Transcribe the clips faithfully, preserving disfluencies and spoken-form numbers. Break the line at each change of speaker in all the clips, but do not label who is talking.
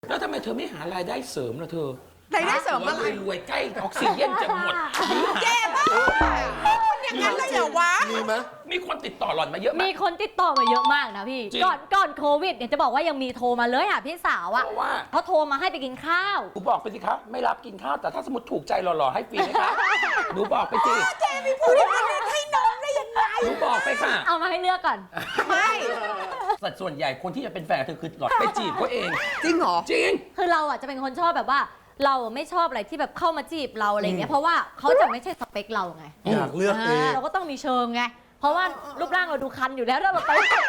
แล้วทำไมเธอไม่หารายได้เสริมล่ะเธอ
รายได้เสริมอะไร
รวยๆใกล้ออกซิเจนจะหมด
แย่มากอย่างนั้นเลยเหรอวะ
มีไหม
มีคนติดต่อหล่อนมาเยอะ
มี
มาก
คนติดต่อมาเยอะมากนะพี่
จริง
ก่อนก่อนโควิดเนี่ยจะบอกว่ายังมีโทรมาเลยหาพี่สาวอะ
เพราะว่า
เขาโทรมาให้ไปกินข้าว
หนูบอกไปสิครับไม่รับกินข้าวแต่ถ้าสมมติถูกใจหล่อๆให้ฟรีไหมคะหนูบอกไปสิ
เจมีพูดอย่างนั้นให้น้องได้ยังไง
หนูบอกไปค่ะ
เอามาให้เลือกก่อน
ไม่
สัดส่วนใหญ่คนที่จะเป็นแฟนกับเธอคือหล่อนไปจีบเขาเอง
จริงเหรอ
จริง
คือเราอ่ะจะเป็นคนชอบแบบว่า เราไม่ชอบอะไรที่แบบเข้ามาจีบเราอะไรเงี้ยเพราะว่าเขาจะไม่ใช่สเปคเราไง
อยากเลือกเอง
เราก็ต้องมีเชิงไงเพราะว่ารูปร่างเราดูคันอยู่แล้วถ้าเราไป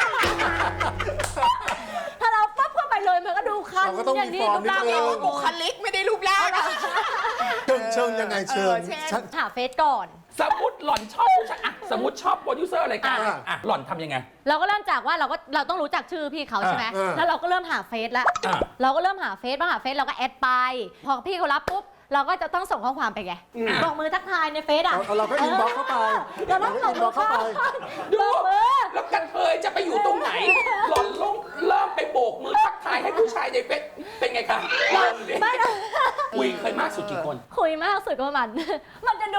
ถ้าเราปั๊บเข้าไปเลยมันก็ดูคัน
เราก็ต้องมี
อย่างนี้
ฟอร์ม
รูปร่าง
นิดนึ
ไม่
ง
บุคลิกไม่ได้รูปร่างอะ
เชิงเชิงยังไงเชิง
เออเช่น
ชัด
หาเฟซก่อน
สมมติหล่อนชอบผู้ชายอะสมมติชอบโปรดิวเซอร์รายการ
อ่ะ
อ่ะหล่อนทำยังไง
เราก็เริ่มจากว่าเราก็เราต้องรู้จักชื่อพี่เขาใช่ไหม
อ่า
แล้วเราก็เริ่มหาเฟซแล้ว
อ่า
เราก็เริ่มหาเฟซพอหาเฟซเราก็แอดไป พอพี่เขารับปุ๊บเราก็จะต้องส่งข้อความไปไงบอกมือทักทายในเฟซอ่ะ
เอาเราก็อินบ็อกซ์เข้าไป
เราต้องส่งมือ
เข้าไป
ดู
บอกมือ
แล้วกันเทยจะไปอยู่ตรงไหน หล่อนลงเริ่มไปโบกมือทักทายให้ผู้ชายในเฟซเป็นไงคะเริ่มดิ
ไม่นะ
คุยเคยมากสุดกี่คน
คุยมากสุดก็ประมาณ มันจะดู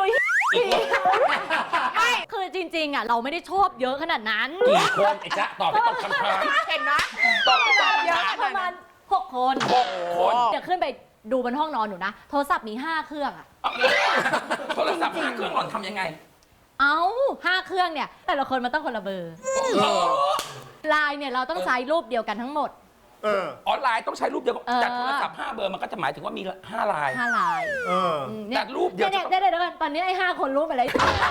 ไม่คือจริงๆอ่ะเราไม่ได้ชอบเยอะขนาดนั้น
กี่คนไอ้จ๊ะตอบไปตอบคำถาม
เห็นไหม
ตอบไปตอบ
เย
คำ
อะ
ถาม
ประมาณหกคน
หกคน
จะขึ้นไปดูบนห้องนอนหนูนะ โทรศัพท์มีห้าเครื่องอ่ะ
โทรศัพท์ห้าเครื่องหล่อนทำยังไง
เอาห้าเครื่องเนี่ย แต่ละคนมันต้องคนละเบอร์ไลน์เนี่ยเราต้องใช้รูปเดียวกันทั้งหมด
เออ
ออนไลน์ต้องใช้รูปเดียวกัน
เออ
แต่โทรศัพท์ห้าเบอร์มันก็จะหมายถึงว่ามีห้าลาย
ห้าไลน์
เออ
อืม
แต่รูปเดียว
เนี่ยเนี่ยเดี๋ยวเดี๋ยวกันตอนนี้ไอ้ห้าคนรู้ไปเลย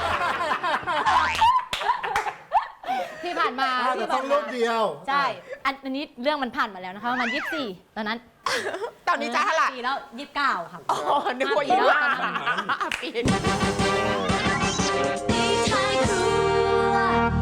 ที่ผ่านมา
อ่าแต่ต้องรูปเดียว
ใช่ อันอันนี้เรื่องมันผ่านมาแล้วนะคะประมาณยี่สิบสี่ตอนนั้น
ตอนนี้จะเท่าไหร่
ปีแล้วยี่สิบเก้าค่ะ
อ๋อนึกว่าอีกแล้วปีน